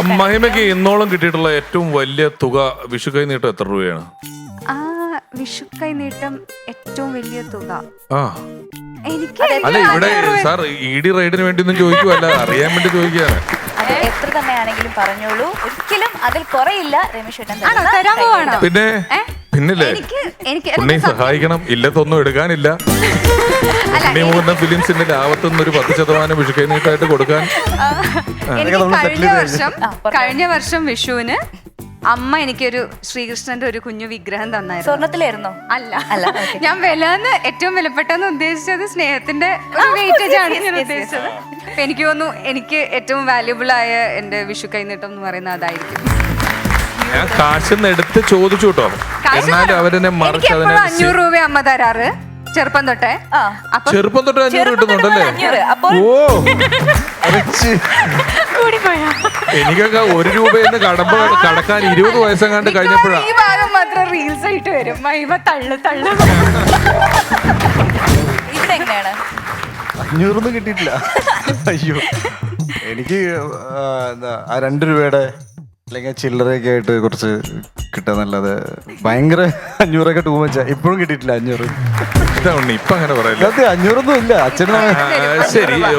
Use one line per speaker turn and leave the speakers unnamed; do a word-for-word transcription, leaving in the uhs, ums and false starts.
മഹിമയ്ക്ക് ഇന്നോളം കിട്ടിയിട്ടുള്ള ഏറ്റവും വലിയ തുക വിഷു കൈ നീട്ടം എത്ര രൂപയാണ്?
ആ വിഷു കൈ നീട്ടം ഏറ്റവും വലിയ തുക
ആ
എനിക്ക്
അല്ല ഇവിടെ സാർ ഇ ഡി റൈഡിന് വേണ്ടി ഒന്നും ചോദിക്കുവല്ല, അറിയാൻ വേണ്ടി ചോദിക്കുകയാണ്.
അത് എത്ര തന്നെയാണെങ്കിലും പറഞ്ഞോളൂ, ഒരിക്കലും അതിൽ കുറയില്ല. രമേശ് ഏട്ടൻ
ആണോ തരാൻ പോവാണോ?
പിന്നെ പിന്നില്ലേ
എനിക്ക് എനിക്ക്
ഉണ്ണി സഹായിക്കണം, ഇല്ലത്തൊന്നും എടുക്കാനില്ല. ഉണ്ണി മുകുന്ദൻ ഫിലിംസിന്റെ ലാഭത്തുനിന്ന് ഒരു പത്ത് ശതമാനം വിഷു കൈ നീട്ടായിട്ട് കൊടുക്കാൻ.
എനിക്ക് കഴിഞ്ഞ വർഷം കഴിഞ്ഞ വർഷം വിഷുവിന് അമ്മ എനിക്കൊരു ശ്രീകൃഷ്ണന്റെ ഒരു കുഞ്ഞു വിഗ്രഹം തന്നായിരുന്നു.
സ്വർണത്തിലായിരുന്നോ?
അല്ല അല്ല ഞാൻ വിലന്ന് ഏറ്റവും വിലപ്പെട്ടെന്ന് ഉദ്ദേശിച്ചത് സ്നേഹത്തിന്റെ ഒരു വെയിറ്റേജ് ആണ് ഞാൻ ഉദ്ദേശിച്ചത്. അപ്പൊ എനിക്ക് തോന്നുന്നു എനിക്ക് ഏറ്റവും വാല്യുബിൾ ആയ എന്റെ വിഷു കൈനീട്ടം എന്ന് പറയുന്നത് അതായിരിക്കും.
ഞാൻ കാശിന്ന് എടുത്ത് ചോദിച്ചു കേട്ടോ, എന്നാലും അവരെന്നെ മറിച്ച് അതിനെ
അഞ്ഞൂറ് രൂപ അമ്മ തരാറ് ചെറുപ്പം തൊട്ടേ. അപ്പൊ
ചെറുപ്പം തൊട്ട് അഞ്ഞൂറ് കിട്ടുന്നുണ്ടല്ലേ? ഓ എനിക്കൊക്കെ ഒരു രൂപയെന്ന് കടമ്പ കടക്കാൻ ഇരുപത് വയസ്സെങ്ങാണ്ട് കഴിഞ്ഞപ്പോഴാ.
ഈ ഭാഗം മാത്രം റീൽസ് ആയിട്ട് വരും. മഹിമ തള്ളു തള്ളു.
ഇവിടെ എങ്ങനെയാണ്?
അഞ്ഞൂറൊന്നും കിട്ടിയിട്ടില്ല. അയ്യോ, എനിക്ക് ആ, എന്താ ആ രണ്ട് രൂപയുടെ അല്ലെങ്കിൽ ചില്ലറയൊക്കെ ആയിട്ട് കുറച്ച് കിട്ടാന്നല്ലാതെ ഭയങ്കര അഞ്ഞൂറൊക്കെ ടൂ മച്ചാ. ഇപ്പോഴും കിട്ടിയിട്ടില്ല അഞ്ഞൂറ്.
ഇതാ ഉണ്ണി ഇപ്പൊ അങ്ങനെ പറയല്ലേ.
അഞ്ഞൂറൊന്നും ഇല്ല അച്ഛനും.
ശരി.